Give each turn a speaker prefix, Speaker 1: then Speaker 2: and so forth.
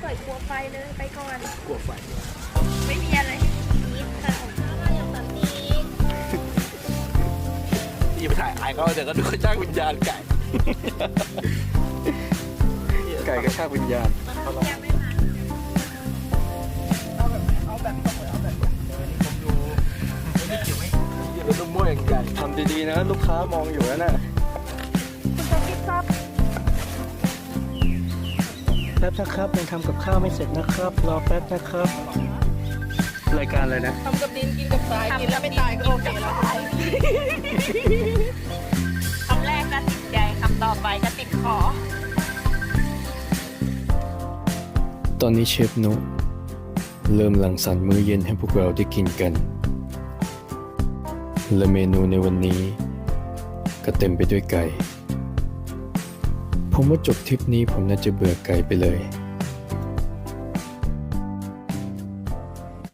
Speaker 1: อยกลัวไฟเลยไปก่อน
Speaker 2: กลัวไฟ
Speaker 1: ไม่มีอะไรให้กินค่ะถ้าเราอยากตัดนี้
Speaker 2: ที่ไปถ่ายไอ้เขาเดี๋ยวก็ดูจ้างวิญญาณไก่ ไก่กระชากวิญญาณ
Speaker 1: ยังไม่มา
Speaker 2: ยืนรถนุ่มมั่วอย่างใหญ่ทำดีๆนะลูกค้ามองอยู่แล้วน่ะ
Speaker 1: คุณจะคิดซับ
Speaker 2: แป๊บนะครับยังทำกับข้าวไม่เสร็จนะครับรอแป๊บนะครับรายการอะไรนะ
Speaker 3: ทำกับดินกินกับทรายกินแล้วไม่ตายก็โอเคแล้ว
Speaker 1: คำแรกก็ติดใจคำต่อไปก็ติดคอ
Speaker 4: ตอนนี้เชฟนุเริ่มรังสรรค์มื้อเย็นให้พวกเราได้กินกัน และเมนูในวันนี้ก็เต็มไปด้วยไก่ ผมว่าจบทริปนี้ผมน่าจะเบื่อไก่ไปเลย